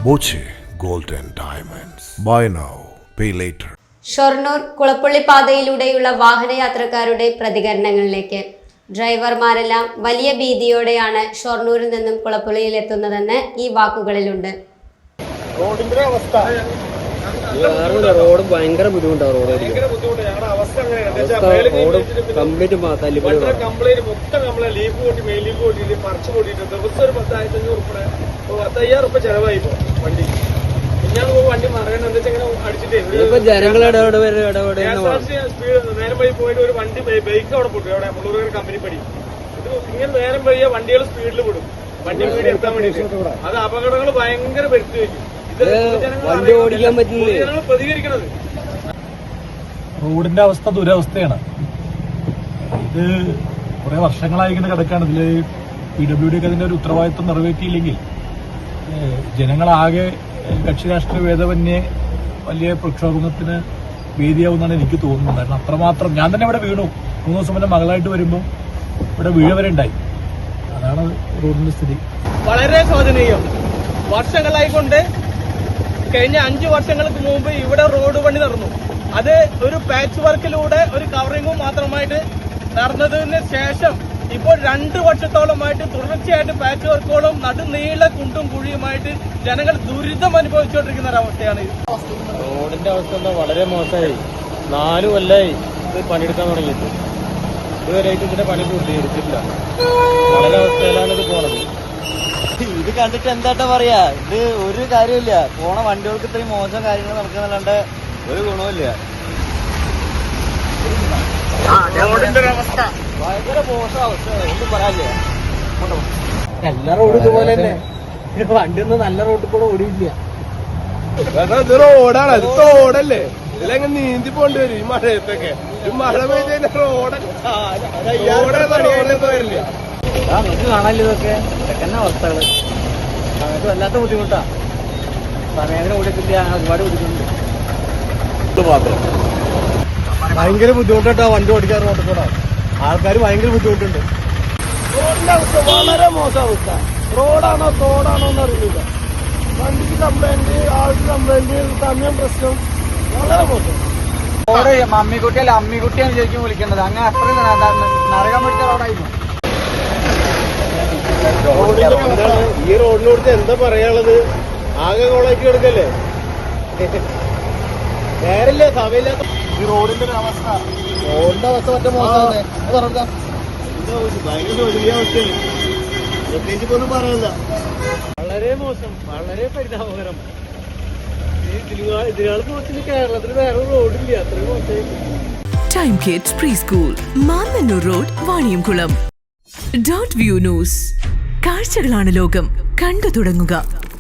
Boche gold and diamonds. Buy now pay later. Shoranur Kulappully പാതയിലൂടെയുള്ള വാഹനയാത്രക്കാരുടെ പ്രതികരണങ്ങളിലേക്ക്. ഡ്രൈവർമാരെല്ലാം വലിയ ഭീതിയോടെയാണ് ഷൊർണൂരിൽ നിന്നും കുളപ്പുള്ളിയിൽ എത്തുന്നതെന്ന് ഈ വാക്കുകളിലുണ്ട്. റോഡിന്റെ അവസ്ഥ റോഡ് ഭയങ്കര ബുദ്ധിമുട്ടാണ്. കംപ്ലീറ്റ് മൊത്തം ലീഫ് കൂട്ടി മെയിൻ ലീഫ് കൂട്ടിയിട്ട് പറിച്ചു കൂട്ടിയിട്ട് ദിവസം ഒരു 10,500 ചെലവായി വണ്ടി. ഞാൻ വണ്ടി മറയണം എന്താ വെച്ചാൽ അടിച്ചിട്ടേ ജനങ്ങളുടെ നേരം വഴി പോയിട്ട് ഒരു വണ്ടി ബൈക്ക് അവിടെ പൊട്ടു. അവിടെ മുള്ളൂർ കമ്പനി പടി. ഇത് ഇങ്ങനെ നേരം വഴിയ വണ്ടികൾ സ്പീഡിൽ വിടും വണ്ടി വീട് എത്താൻ വേണ്ടിയിട്ട്. അത് അപകടങ്ങൾ ഭയങ്കര വരുത്തി വയ്ക്കും. വണ്ടി ഓടിക്കാൻ പറ്റില്ല. പ്രതികരിക്കണത് റോഡിന്റെ അവസ്ഥ ദുരവസ്ഥയാണ്. ഇത് കുറെ വർഷങ്ങളായി ഇങ്ങനെ കിടക്കാണ്. ഇതില് PWD ഒക്കെ അതിന്റെ ഒരു ഉത്തരവാദിത്വം നിറവേറ്റിയില്ലെങ്കിൽ ജനങ്ങളാകെ കക്ഷി രാഷ്ട്രീയ ഭേദമന്യേ വലിയ പ്രക്ഷോഭത്തിന് വേദിയാവുമെന്നാണ് എനിക്ക് തോന്നുന്നത്. കാരണം അത്രമാത്രം ഞാൻ തന്നെ ഇവിടെ വീണു. 3 ദിവസം മുന്നേ മകളായിട്ട് വരുമ്പോൾ ഇവിടെ വീഴ വരെ ഉണ്ടായി. അതാണ് റോഡിന്റെ സ്ഥിതി. വളരെ ശോചനീയം. വർഷങ്ങളായിക്കൊണ്ട് കഴിഞ്ഞ 5 വർഷങ്ങൾക്ക് മുമ്പ് ഇവിടെ റോഡ് പണി നടന്നു. അത് ഒരു പാച്ച് വർക്കിലൂടെ ഒരു കവറിങ്ങും മാത്രമായിട്ട് നടന്നതിന് ശേഷം ഇപ്പോൾ 2 വർഷത്തോളമായിട്ട് തുടർച്ചയായിട്ട് പാച്ച് വർക്കുകളും നടുനീള കുണ്ടും കുഴിയുമായിട്ട് ജനങ്ങൾ ദുരിതം അനുഭവിച്ചുകൊണ്ടിരിക്കുന്ന ഒരവസ്ഥയാണ്. റോഡിന്റെ അവസ്ഥ വളരെ മോശമായി. 4 കൊല്ലമായി ഇത് പണിയെടുക്കാൻ തുടങ്ങിയിട്ട്. ഇതുവരെയായിട്ട് ഇതിന്റെ പണി പൂർത്തീകരിച്ചിട്ടില്ല. വളരെ അവസ്ഥയിലാണ് ഇത് പോണത്. ഇത് കണ്ടിട്ട് എന്താട്ടാ പറയാ, ഇത് ഒരു കാര്യമില്ല. പോണ വണ്ടികൾക്ക് ഇത്രയും മോശം കാര്യങ്ങൾ നടക്കുന്നല്ലാണ്ട് ഒരു ഗുണമില്ല. ഭയങ്കര മോശം അവസ്ഥയാണ്. ഒന്നും പറയാനില്ല. എല്ലാ റോഡും ഇതുപോലെ തന്നെ. വണ്ടിയൊന്നും നല്ല റോഡിൽ കൂടെ ഓടിയില്ല. ഇത് റോഡാണ്, അത് തോടല്ലേ. ഇതിലെങ്ങനെ നീന്തി പോണ്ടി വരും ഈ മഴയത്തൊക്കെ. ഈ മഴ പെയ്ത് വരില്ല. നമുക്ക് കാണാനില്ല ഇതൊക്കെ ഇതൊക്കെ അവസ്ഥകള്. നമുക്ക് വല്ലാത്ത ബുദ്ധിമുട്ടാ. സമയത്തിന് ഓടിക്കില്ല. ഒരുപാട് ബുദ്ധിമുട്ടുണ്ട്. ഭയങ്കര ബുദ്ധിമുട്ടാ വണ്ടി ഓടിക്കാൻ റോഡിൽ കൂടെ. ആൾക്കാർ ഭയങ്കര ബുദ്ധിമുട്ടുണ്ട്. റോഡിന്റെ അവസ്ഥ വളരെ മോശം അവസ്ഥ. റോഡാണോ തോടാണോ എന്ന് അറിയില്ല. വണ്ടിക്ക് കംപ്ലൈന്റ്, ആൾക്ക് കംപ്ലൈന്റ്, സമയം പ്രശ്നം, വളരെ മോശം. റോഡ് മമ്മിക്കുട്ടിയല്ല അമ്മിക്കുട്ടിയാണ് ശരിക്കും വിളിക്കേണ്ടത്. അങ്ങനെ അത്രയും നരകം പിടിച്ച റോഡായിരുന്നു. ഈ റോഡിനോട് എന്താ പറയാനുള്ളത്? ആകെ കോളാക്കി എടുക്കല്ലേ. നേരല്ലേ സമയമില്ലാത്ത ഈ റോഡിന്റെ അവസ്ഥ മറ്റേ മോശമാണ്. ഭയങ്കര വലിയ അവസ്ഥയാണ്. പ്രത്യേകിച്ച് ഒന്നും പറയാനില്ല. വളരെ മോശം, വളരെ പരിതാപകരം. ഇതിനാൾ മോശം കേരളത്തിൽ വേറെ റോഡില്ല. അത്രയും മോശം. Time kids pre school, Mannannur road, Vaniyamkulam. Dot view news. കാഴ്ചകളാണ് ലോകം. കണ്ടു തുടങ്ങുക.